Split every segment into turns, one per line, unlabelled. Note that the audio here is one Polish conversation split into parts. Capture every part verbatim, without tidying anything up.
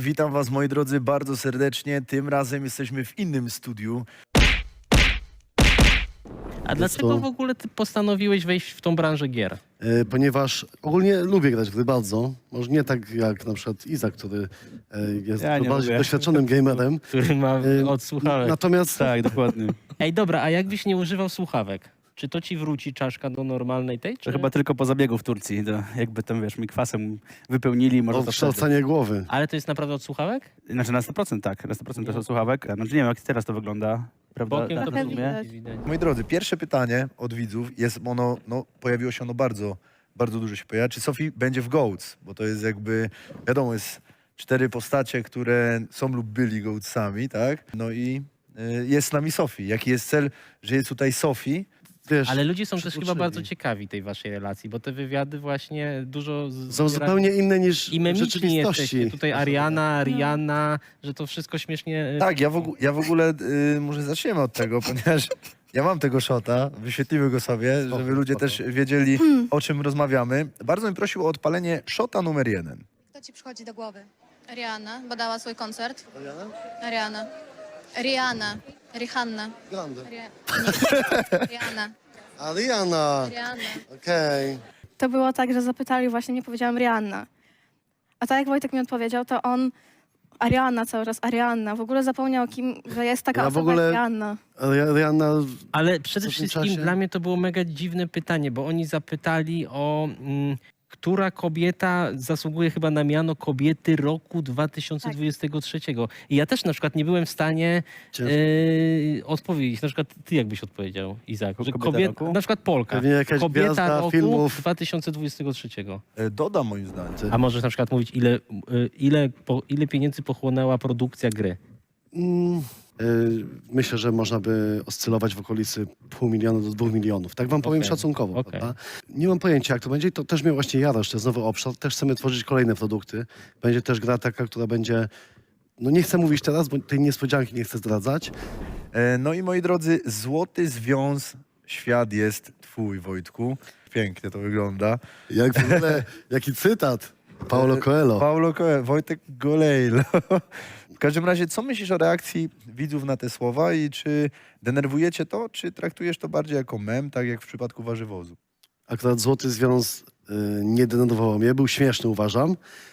witam was moi drodzy bardzo serdecznie. Tym razem jesteśmy w innym studiu.
A dlaczego
to-
w ogóle ty postanowiłeś wejść w tą branżę gier?
E, ponieważ ogólnie lubię grać w gry bardzo. Może nie tak jak na przykład Izak, który e, jest
Ja nie
bardziej
lubię.
doświadczonym gamerem.
Który ma
E,
od słuchawek.
Natomiast
Tak, dokładnie.
Ej, dobra, a jakbyś nie używał słuchawek? Czy to ci wróci czaszka do normalnej tej? Czy...
To chyba tylko po zabiegu w Turcji. To jakby tam, wiesz, mi kwasem wypełnili, może
o
to wtedy.
kształcenie głowy.
Ale to jest naprawdę od słuchawek?
Znaczy na sto procent tak, na sto procent też od słuchawek. Znaczy nie wiem, jak teraz to wygląda. Prawda?
Bokiem
Tak,
to
w
Trochę
sumie.
widać.
widać.
Moi drodzy, pierwsze pytanie od widzów jest ono, no pojawiło się ono bardzo, bardzo dużo się pojawia. Czy Sophie będzie w Goats? Bo to jest jakby, wiadomo, jest cztery postacie, które są lub byli Goatsami, tak? No i y, jest z nami Sophie. Jaki jest cel, że jest tutaj Sophie?
Wiesz,
Ale ludzie są też chyba
przytłoczyli.
bardzo ciekawi tej waszej relacji, bo te wywiady właśnie dużo... z-
Są zupełnie inne niż
I
w
memiczni
rzeczywistości.
jesteście. Tutaj Ariana, Rihanna, że to wszystko śmiesznie...
Tak, ja w, ogó- ja w ogóle, y, może zaczniemy od tego, ponieważ ja mam tego shota, wyświetlimy go sobie,
Spoko,
żeby ludzie
spoko.
też wiedzieli, o czym rozmawiamy. Bardzo mi prosił o odpalenie shota numer jeden.
Kto ci przychodzi do głowy? Rihanna, bo dała swój koncert. Rihanna. Rihanna. Rihanna.
Grande.
Ri- Rihanna.
Ariana,
Rihanna.
okej.
To było tak, że zapytali, właśnie mnie powiedziałam Rihanna. A tak jak Wojtek mi odpowiedział, to on Ariana cały czas, Arianna. W ogóle zapomniał, kim, że jest taka
Ja w
osoba
ogóle-
jak Rihanna.
Ari- Ariana,
Ale przede
Co w tym
wszystkim
czasie?
dla mnie to było mega dziwne pytanie, bo oni zapytali o... Mm, która kobieta zasługuje chyba na miano kobiety roku dwa tysiące dwudziestego trzeciego. I ja też na przykład nie byłem w stanie
Ciężko.
e, odpowiedzieć. Na przykład ty jakbyś odpowiedział, Izak, że
Kobieta
kobieta,
roku?
na przykład Polka.
Pewnie jakaś
Kobieta
gwiazda
roku
filmów.
dwa tysiące dwudziestego trzeciego.
E, Dodam moim zdaniem.
A możesz na przykład mówić, ile, e, ile, po, ile pieniędzy pochłonęła produkcja gry?
mm, y, myślę, że można by oscylować w okolicy pół miliona do dwóch milionów. Tak wam powiem
Okej,
szacunkowo,
okej.
prawda? Nie mam pojęcia, jak to będzie. To też mnie właśnie jara, że to jest nowy obszar. Też chcemy tworzyć kolejne produkty. Będzie też gra taka, która będzie... No nie chcę mówić teraz, bo tej niespodzianki nie chcę zdradzać.
E, No i moi drodzy, złoty związ, świat jest twój, Wojtku. Pięknie to wygląda.
Jak w ogóle, jaki cytat Paulo
E,
Coelho.
Paulo Coelho, Wojtek Golejlo. W każdym razie, co myślisz o reakcji widzów na te słowa i czy denerwujecie to, czy traktujesz to bardziej jako mem, tak jak w przypadku warzywozu?
Akurat Złoty Związ y, nie denerwował mnie, był śmieszny uważam.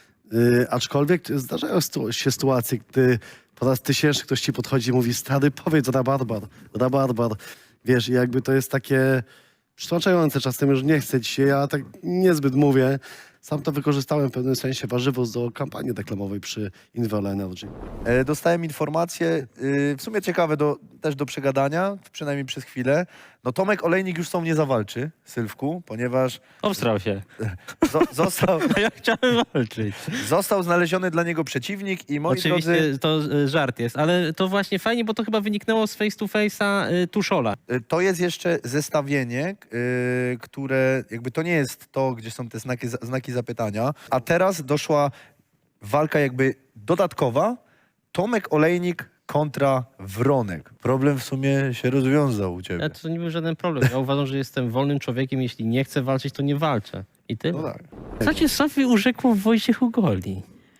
Y, aczkolwiek zdarzają stu- się sytuacje, gdy po raz tysięczny ktoś ci podchodzi i mówi: stary, powiedz rabarbar, rabarbar. Wiesz, i jakby to jest takie przytłaczające, czasem już nie chcę ci się, ja tak niezbyt mówię. Sam to wykorzystałem w pewnym sensie warzywos do kampanii reklamowej przy Inval Energy.
E, Dostałem informacje, y, w sumie ciekawe do, też do przegadania, przynajmniej przez chwilę. No Tomek Olejnik już z tą nie zawalczy, Sylwku, ponieważ
Obstrał się.
zo, został,
A ja chciałem walczyć.
został znaleziony dla niego przeciwnik i moi
Oczywiście
drodzy,
to e, żart jest, ale to właśnie fajnie, bo to chyba wyniknęło z face to face'a e, Tuszola.
y, to jest jeszcze zestawienie, y, które jakby to nie jest to, gdzie są te znaki, za- znaki zapytania, a teraz doszła walka jakby dodatkowa, Tomek Olejnik kontra Wronek. Problem w sumie się rozwiązał u ciebie.
Ja, to nie był żaden problem. Ja uważam, że jestem wolnym człowiekiem. Jeśli nie chcę walczyć, to nie walczę. I tyle.
No tak.
Co cię sobie urzekło w Wojciechu Goli?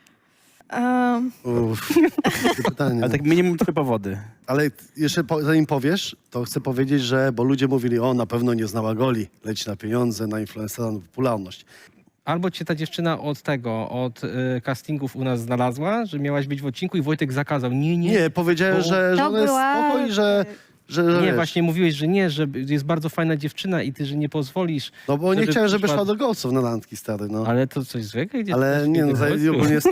Um,
Uff, to pytanie.
Ale tak minimum trzy powody.
Ale jeszcze po, zanim powiesz, to chcę powiedzieć, że bo ludzie mówili: o, na pewno nie znała Goli, leci na pieniądze, na influencera, na popularność.
Albo cię ta dziewczyna od tego, od y, castingów u nas znalazła, że miałaś być w odcinku i Wojtek zakazał. Nie, nie.
Nie, powiedziałem,
Bo-
że, że
to
ona jest
była...
spoko i że... że, że
Nie,
wiesz,
właśnie mówiłeś, że nie, że jest bardzo fajna dziewczyna i ty, że nie pozwolisz.
No bo nie
żeby
chciałem, żeby
przyszła-
szła do golców na randki, stary, no. Ale,
Ale to coś złego? Gdzie ty
nie, no,
masz
za,
świetny
ogólnie jest...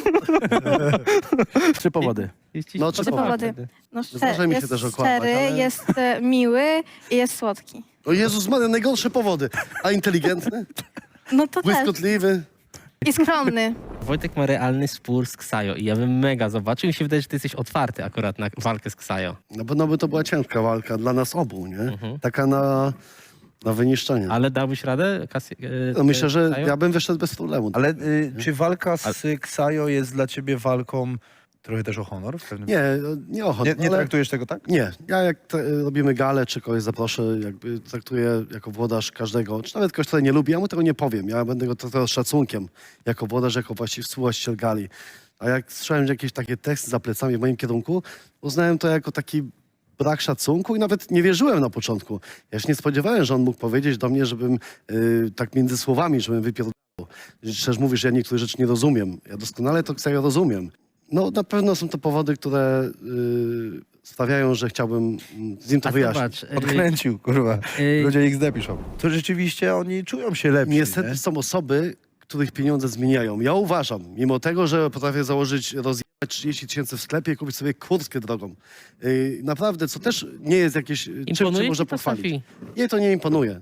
Trzy powody.
Jest ci
No,
podoba
trzy
powody.
wtedy.
no,
Zdarza
szczer,
mi się
jest
też okłamać,
szczery,
ale-
jest e, miły i jest słodki.
O Jezus Maria, najgorsze powody. A inteligentny,
No to też.
błyskotliwy.
I skromny.
Wojtek ma realny spór z Ksajo i ja bym mega zobaczył. Mi się wydaje, że ty jesteś otwarty akurat na walkę z Ksajo.
No bo, no bo to była ciężka walka dla nas obu, nie?
Mhm.
Taka na, na wyniszczenie.
Ale dałbyś radę? Kasi- e,
No myślę, że
Ksajo?
ja bym wyszedł bez problemu.
Ale y, czy walka z Ksajo jest dla ciebie walką trochę też o honor? W pewnym...
Nie, nie ochotę.
nie, nie
ale...
traktujesz tego tak?
Nie, ja jak tra- robimy galę, czy kogoś zaproszę, jakby traktuję jako włodarz każdego, czy nawet kogoś, kto nie lubi, ja mu tego nie powiem. Ja będę go traktował z szacunkiem, jako włodarz, jako właściwie współwłaściciel gali. A jak słyszałem jakieś takie teksty za plecami w moim kierunku, uznałem to jako taki brak szacunku i nawet nie wierzyłem na początku. Ja się nie spodziewałem, że on mógł powiedzieć do mnie, żebym y, tak między słowami, żebym wypierdalał. Szczerze mówisz, że ja niektórych rzeczy nie rozumiem. Ja doskonale to serio rozumiem. No na pewno są to powody, które y, sprawiają, że chciałbym mm, z nim to
A
wyjaśnić.
zobacz, y,
Odkręcił, kurwa.
y,
Ludzie X D piszą. To rzeczywiście oni czują się lepiej,
Niestety
nie?
są osoby, których pieniądze zmieniają. Ja uważam, mimo tego, że potrafię założyć, rozjechać trzydzieści tysięcy w sklepie i kupić sobie kurtkę drogą. Yy, naprawdę, co też nie jest jakieś czym, czym
Imponuje
można
ci to,
pochwalić.
Sofii?
Nie, to nie imponuje.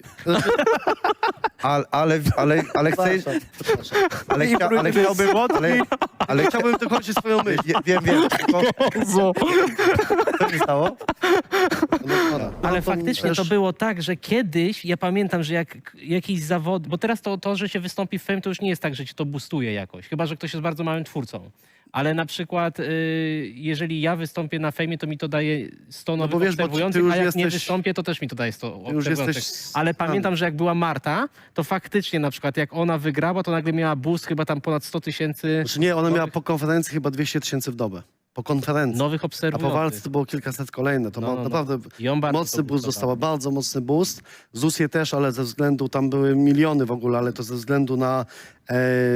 Ale, ale, ale, ale chcę...
Przepraszam.
Ale, chcia, ale chciałbym... Ale, ale
Chciałbym dokończyć swoją myśl.
Wie- Wiem, wiem. Tylko... Co się stało?
No, dobra.
Ale
No, to
faktycznie
też-
to było tak, że kiedyś, ja pamiętam, że jak k- jakiś zawod, bo teraz to, to, że się wystąpi w Fame, to już nie jest tak, że ci to boostuje jakoś, chyba, że ktoś jest bardzo małym twórcą. Ale na przykład, y, jeżeli ja wystąpię na Fejmie, to mi to daje sto nowych
bo wiesz, bo ty
obserwujących,
już
a jak nie
jesteś-
wystąpię, to też mi to daje sto
Ty już
obserwujących.
jesteś
Ale
znany.
pamiętam, że jak była Marta, to faktycznie na przykład jak ona wygrała, to nagle miała boost chyba tam ponad sto tysięcy
Znaczy nie, ona miała po konferencji chyba dwieście tysięcy w dobę. Po konferencji.
nowych
A po
obserwujących.
walce to było kilkaset kolejne. To
No,
ma
no, no.
naprawdę
I on bardzo
mocny
to
boost
boostował.
dostała, bardzo mocny boost. Zusie też, ale ze względu, tam były miliony w ogóle, ale to ze względu na, e,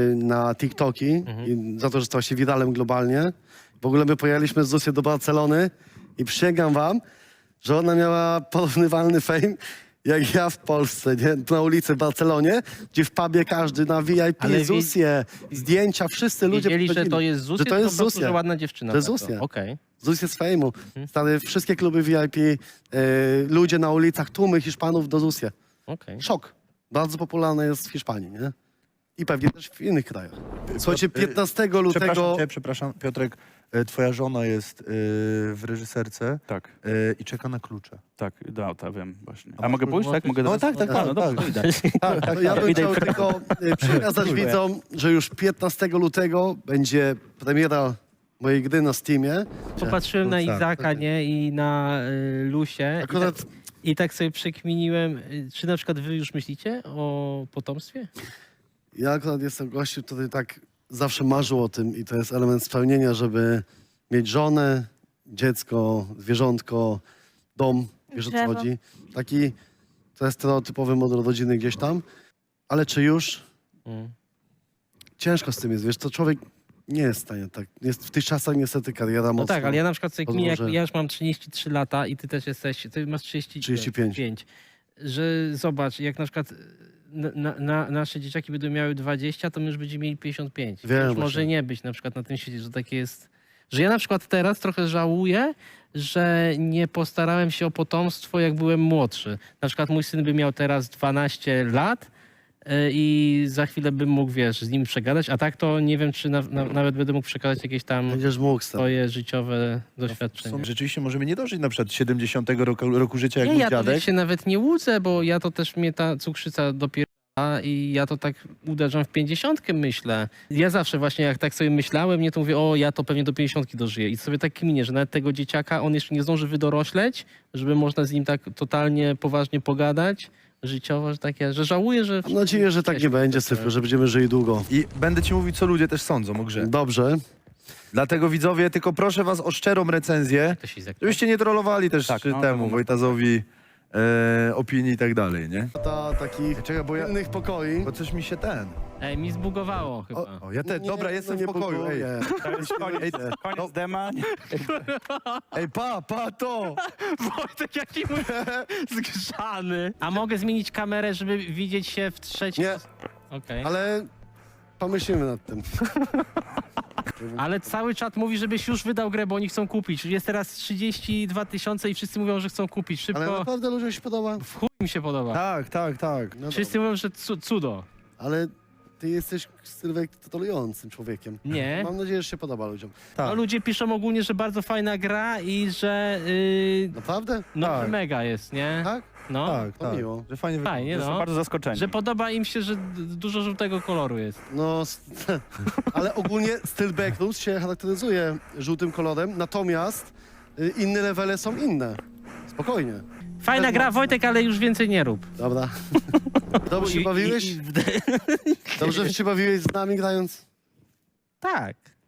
na TikToki
Mhm.
i za to, że stała się wiralem globalnie. W ogóle my pojechaliśmy z Zusię do Barcelony i przysięgam wam, że ona miała porównywalny fame jak ja w Polsce, nie? Na ulicy w Barcelonie, gdzie w pubie każdy na V I P,
Ale wi-
Zusie, zdjęcia, wszyscy ludzie
Wiedzieli, że
podchodzili.
to jest Zuzia,
Że to jest
po prostu,
Zuzia.
że ładna dziewczyna.
To jest
bardzo.
Zuzia.
Okej.
Zusie z fejmu.
Mhm.
Stary, wszystkie kluby V I P, e, ludzie na ulicach, tłumy Hiszpanów do Zusie.
okej.
Szok. Bardzo popularne jest w Hiszpanii, nie? I pewnie też w innych krajach. Słuchajcie, piętnastego lutego...
Przepraszam cię, przepraszam. Piotrek, e, twoja żona jest e, w reżyserce
Tak,
e, i czeka na klucze.
tak, do auta, wiem właśnie.
A
A mogę pójść, tak? Mogę
No
teraz?
tak, tak,
A,
tak,
no dobrze,
tak.
idę.
Tak, tak,
To ja
tak.
bym
Widać
chciał tylko e, przekazać widzom, że już piętnastego lutego będzie premiera mojej gry na Steamie.
Popatrzyłem na
Tak,
Izaka, nie, i na y, Lusię. I
Akurat
tak, I tak sobie przekminiłem, y, czy na przykład wy już myślicie o potomstwie?
ja akurat jestem gościem, który tak zawsze marzył o tym i to jest element spełnienia, żeby mieć żonę, dziecko, zwierzątko, dom, wiesz o co
Drzewo.
chodzi. Taki, to jest stereotypowy model rodziny gdzieś tam, ale czy już?
Mm.
Ciężko z tym jest, wiesz, to człowiek nie jest w stanie tak. Jest w tych czasach niestety kariera
No
mocno.
tak, ale ja na przykład sobie kminię, jak
podłoże.
ja już mam trzydzieści trzy lata i ty też jesteś, ty masz trzydzieści
trzydzieści pięć.
pięć, że zobacz, jak na przykład na, na, na, nasze dzieciaki będą miały dwadzieścia, to my już będziemy mieli pięćdziesiąt pięć.
Wiem,
Już
właśnie.
może nie być na przykład na tym świecie, że takie jest, że ja na przykład teraz trochę żałuję, że nie postarałem się o potomstwo, jak byłem młodszy. Na przykład mój syn by miał teraz dwanaście lat y, i za chwilę bym mógł, wiesz, z nim przegadać, a tak to nie wiem, czy na, na, nawet będę mógł przekazać jakieś tam
Będziesz mógł z tym.
swoje życiowe
W
doświadczenia.
sumie Rzeczywiście możemy nie dożyć na przykład siedemdziesiątego roku, roku życia jak
Nie,
mój
ja to
dziadek.
wiesz, się nawet nie łudzę, bo ja to też mnie ta cukrzyca dopiero i ja to tak uderzam w pięćdziesiątkę, myślę. Ja zawsze właśnie jak tak sobie myślałem, nie to mówię, o ja to pewnie do pięćdziesiątki dożyję. I sobie tak kminię, że nawet tego dzieciaka on jeszcze nie zdąży wydorośleć, żeby można z nim tak totalnie poważnie pogadać życiowo, że takie, że żałuję, że...
Mam nadzieję, że tak nie będzie, Syfy, że będziemy żyli długo.
I będę ci mówić, co ludzie też sądzą o grze.
Dobrze.
Dlatego widzowie, tylko proszę was o szczerą recenzję,
To się zak-
żebyście nie trollowali też
Tak,
czy
no,
temu
no, no.
Wojtazowi e, opinii i tak dalej, nie?
Ta, takich
Czekaj, bo ja...
innych pokoi.
Bo coś mi się ten...
Ej, mi zbugowało chyba.
O, o ja te,
Nie,
dobra,
no
jestem
nie
w pokoju, ej.
buguję.
To jest koniec,
Ej,
koniec
no.
dema.
Ej, pa, pa, to!
Wojtek, jaki mój zgrzany. A mogę zmienić kamerę, żeby widzieć się w trzecim...
Nie,
Okej.
ale pomyślimy nad tym.
Ale cały czat mówi, żebyś już wydał grę, bo oni chcą kupić. Jest teraz trzydzieści dwa tysiące i wszyscy mówią, że chcą kupić.
Ale
Szybko.
naprawdę ludziom się podoba.
W chuj mi się podoba.
Tak, tak, tak.
No
Wszyscy
dobra.
mówią, że cu cudo.
Ale ty jesteś Sylwek tolerującym człowiekiem.
Nie.
Mam nadzieję, że się podoba ludziom.
tak.
No, ludzie piszą ogólnie, że bardzo fajna gra i że yy,
Naprawdę?
no
Tak.
mega jest, nie?
Tak?
No.
Tak,
To
tak.
miło.
Że fajnie wygląda.
Fajnie,
Są
no.
bardzo zaskoczeni.
Że podoba im się, że d- dużo żółtego koloru jest.
No, s- ale ogólnie styl Backroots się charakteryzuje żółtym kolorem, natomiast y, inne levele są inne. Spokojnie.
Fajna gra, Wojtek, ale już więcej nie rób.
Dobra. Dobrze się
I- i-
bawiłeś?
i-
Dobrze się bawiłeś z nami grając?
Tak.